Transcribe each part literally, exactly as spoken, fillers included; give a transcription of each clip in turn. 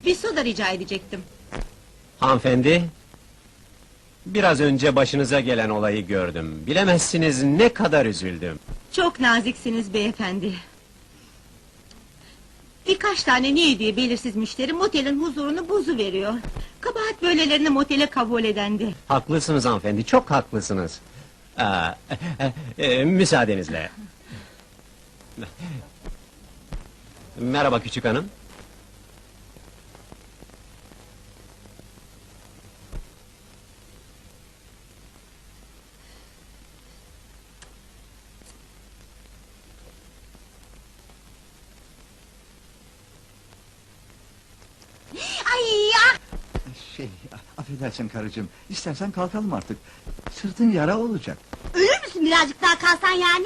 Bir soda rica edecektim. Hanımefendi, biraz önce başınıza gelen olayı gördüm. Bilemezsiniz ne kadar üzüldüm. Çok naziksiniz beyefendi. Birkaç tane niye diye belirsiz müşteri motelin huzurunu bozuveriyor. Kabahat böylelerini motele kabul edendi. Haklısınız hanımefendi, çok haklısınız. Aa, e, e, müsaadenizle. Merhaba küçük hanım. Ay ya! Şey, affedersin karıcığım, istersen kalkalım artık. Sırtın yara olacak. Ölür müsün birazcık daha kalsan yani?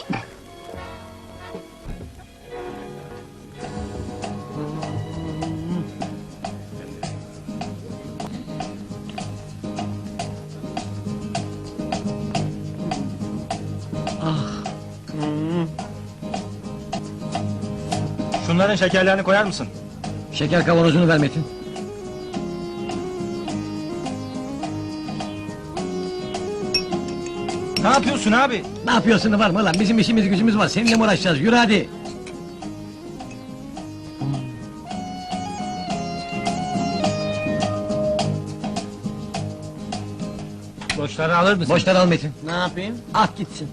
Şunların şekerlerini koyar mısın? Şeker kavanozunu ver Metin. Ne yapıyorsun abi? Ne yapıyorsun var mı lan? Bizim işimiz gücümüz var. Seninle mi uğraşacağız? Yürü hadi. Boşları alır mısın? Boşları al Metin. Ne yapayım? At gitsin.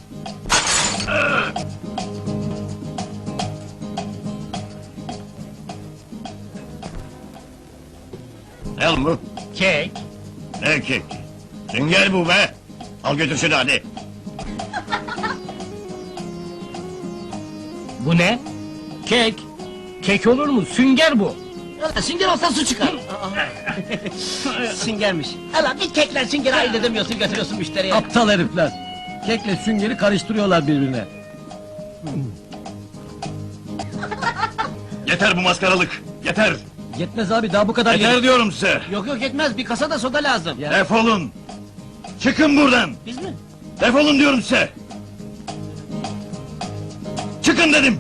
Ne oğlum bu? Kek. Ne kek? Sünger bu be! Al götür şunu hadi! Bu ne? Kek. Kek olur mu? Sünger bu. Sünger olsa su çıkar. Süngermiş. Hala bir kekle süngeri ayırt edemiyorsun, götürüyorsun müşteriye. Aptal herifler. Kekle süngeri karıştırıyorlar birbirine. Yeter bu maskaralık! Yeter! Yetmez abi daha bu kadar Yeter yeter. diyorum size! Yok yok etmez, bir kasa da soda lazım. Ya. Defolun! Çıkın buradan! Biz mi? Defolun diyorum size! Çıkın dedim!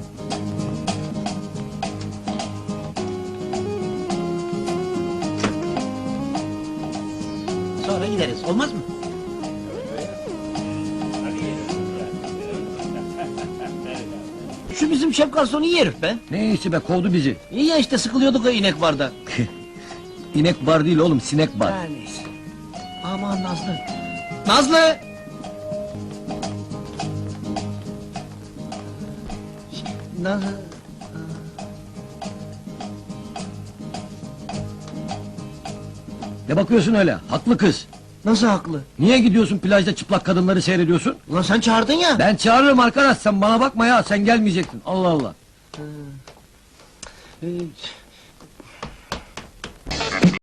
Sonra gideriz, olmaz mı? Şu bizim şef garsonu iyi herif be. Ne işi be kovdu bizi. İyi ya işte sıkılıyorduk o inek barda. İnek bar değil oğlum sinek bar. Her neyse. Aman Nazlı. Nazlı! Nazlı... Ne bakıyorsun öyle? Haklı kız. Nasıl haklı? Niye gidiyorsun plajda çıplak kadınları seyrediyorsun? Ulan sen çağırdın ya. Ben çağırırım arkadaş sen bana bakma ya sen gelmeyecektin. Allah Allah. Ee,